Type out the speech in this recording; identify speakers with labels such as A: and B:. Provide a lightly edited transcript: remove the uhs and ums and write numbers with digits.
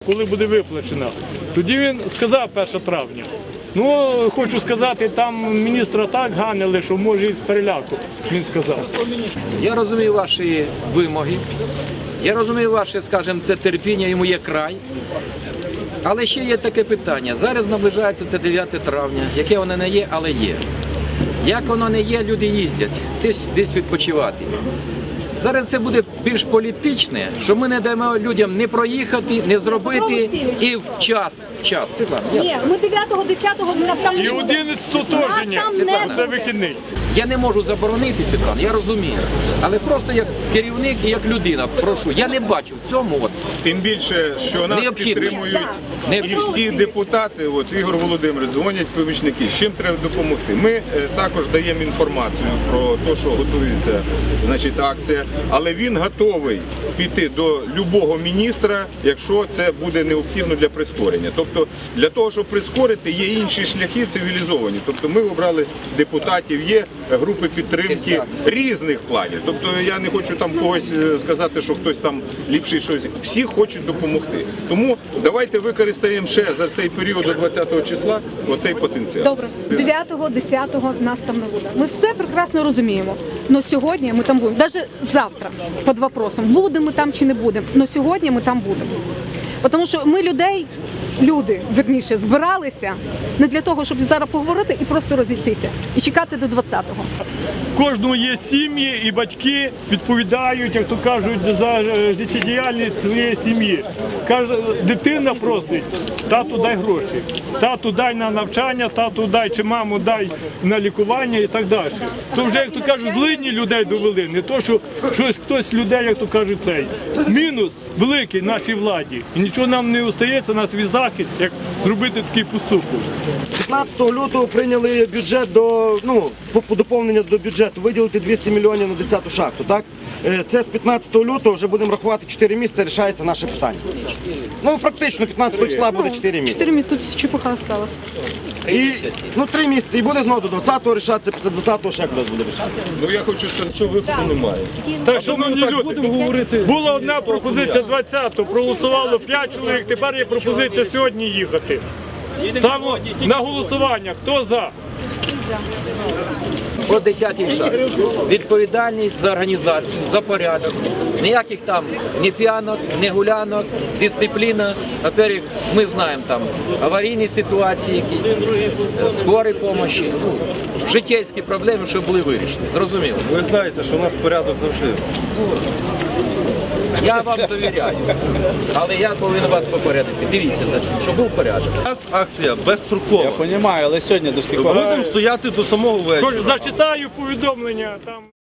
A: коли буде виплачена. Тоді він сказав 1 травня. Ну, хочу сказати, там міністра так ганили, що може і з переляку, він сказав.
B: Я розумію ваші вимоги, я розумію ваше, скажімо, це терпіння, йому є край. Але ще є таке питання. Зараз наближається це 9 травня, яке воно не є, але є. Як воно не є, люди їздять, десь відпочивати. Зараз це буде більш політичне, що ми не даємо людям не проїхати, не зробити і в час. Світлана,
C: ні, ми 9-го, 10-го в нас там не
A: І
C: було.
A: 11-го теж ні, це вихідний.
B: Я не можу заборонити, Світлана, я розумію. Але просто як керівник і як людина, прошу, я не бачу в цьому.
D: Тим більше, що нас підтримують і всі депутати, Ігор Володимирович, дзвонять помічники, з чим треба допомогти. Ми також даємо інформацію про те, що готується акція, але він готовий піти до будь-якого міністра, якщо це буде необхідно для прискорення. Тобто для того, щоб прискорити, є інші шляхи цивілізовані. Тобто ми обрали депутатів, є групи підтримки різних планів. Тобто я не хочу там когось сказати, що хтось там ліпший щось. Всі хочуть допомогти. Тому давайте використаємо ще за цей період до 20-го числа оцей потенціал.
C: Добре, 9-го, 10-го нас там не буде. Ми все прекрасно розуміємо. Но сьогодні ми там будемо. Навіть завтра під вопросом, будемо ми там чи не будемо. Но сьогодні ми там будемо. Тому що ми люди, верніше, збиралися не для того, щоб зараз поговорити і просто розійтися. І чекати до 20-го.
A: Кожного є сім'ї і батьки відповідають, як то кажуть, за життєдіяльність своєї сім'ї. Каже, дитина просить, тату дай гроші, тату дай на навчання, тату дай чи маму дай на лікування і так далі. То вже, як то кажуть, злидні людей довели, не то, що хтось людей, як то кажуть, цей. Мінус великий нашій владі. І нічого нам не остається, нас від захист, як зробити такий поступок.
E: 15 лютого прийняли бюджет доповнення до бюджету, виділити 200 мільйонів на 10-ту шахту, так? Це з 15 лютого вже будемо рахувати 4 місяці, рішається наше питання. Ну, практично 15 числа буде 4 місяці.
C: 4 місяці, тут чепуха осталась.
E: 3 місяці, і буде знову до 20-го рішатися, після 20-го ще кудись буде рішатися.
D: Ну я хочу сказати, що виходу немає.
A: Так, шановні люди, була одна пропозиція 20-го, проголосувало 5 чоловік, тепер є пропозиція сьогодні їхати. Саме на голосування, хто за?
B: Про 10-й шаг. Відповідальність за організацію, за порядок. Ніяких там ні п'янок, ні гулянок, дисципліна. Во-первых, ми знаємо там аварійні ситуації якісь, скорої допомоги, життєві проблеми, щоб були вирішені. Зрозуміло?
F: Ви знаєте, що у нас порядок завжди.
B: Я вам довіряю, але я повинен вас попередити. Дивіться за цим, щоб був порядок.
F: У нас акція безстрокова.
G: Я розумію, але сьогодні до скількох?
F: Будемо стояти до самого вечора.
A: Зачитаю повідомлення там.